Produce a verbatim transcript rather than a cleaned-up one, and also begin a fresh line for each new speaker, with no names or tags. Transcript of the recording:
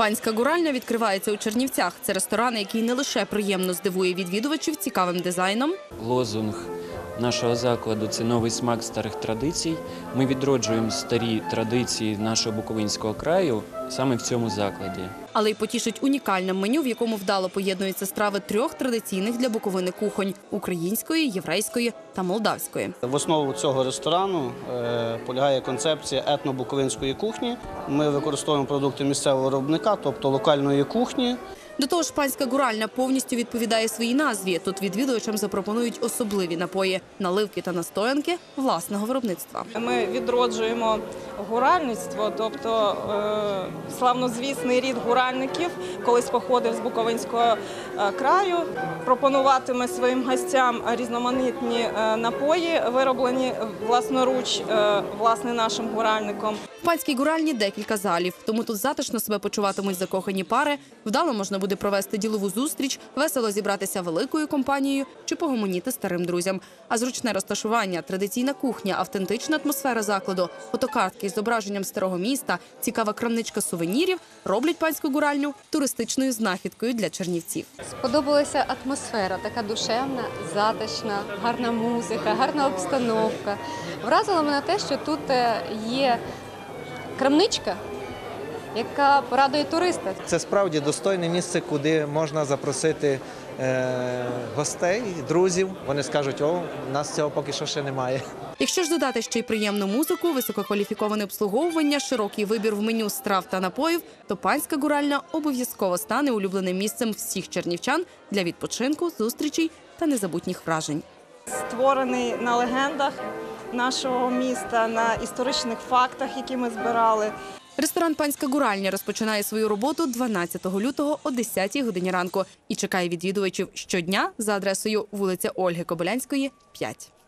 Панська гуральня відкривається у Чернівцях. Це ресторан, який не лише приємно здивує відвідувачів цікавим дизайном.
Лозунг нашого закладу – це новий смак старих традицій. Ми відроджуємо старі традиції нашого Буковинського краю саме в цьому закладі.
Але й потішить унікальним меню, в якому вдало поєднуються страви трьох традиційних для Буковини кухонь – української, єврейської та молдавської.
В основу цього ресторану е, полягає концепція етно-буковинської кухні. Ми використовуємо продукти місцевого виробника, тобто локальної кухні.
До того ж, панська гуральня повністю відповідає своїй назві. Тут відвідувачам запропонують особливі напої, наливки та настоянки власного виробництва.
Ми відроджуємо гуральництво, тобто е, славнозвісний рід гуральників, колись походив з Буковинського е, краю. Пропонуватиме своїм гостям різноманітні е, напої, вироблені власноруч, е, власне, нашим гуральником.
В панській гуральні декілька залів, тому тут затишно себе почуватимуть закохані пари, вдало можна буде провести ділову зустріч, весело зібратися великою компанією чи погомоніти старим друзям. А зручне розташування, традиційна кухня, автентична атмосфера закладу, фотокартки з зображенням старого міста, цікава крамничка сувенірів роблять панську гуральню туристичною знахідкою для чернівців.
Сподобалася атмосфера, така душевна, затишна, гарна музика, гарна обстановка. Вразило мене те, що тут є крамничка, яка порадує туриста.
Це справді достойне місце, куди можна запросити е, гостей, друзів. Вони скажуть, о, у нас цього поки що ще немає.
Якщо ж додати ще й приємну музику, висококваліфіковане обслуговування, широкий вибір в меню страв та напоїв, то панська гуральня обов'язково стане улюбленим місцем всіх чернівчан для відпочинку, зустрічей та незабутніх вражень.
Створений на легендах нашого міста, на історичних фактах, які ми збирали.
Ресторан «Панська гуральня» розпочинає свою роботу дванадцятого лютого о десятій годині ранку і чекає відвідувачів щодня за адресою вулиця Ольги Кобилянської, п'ять.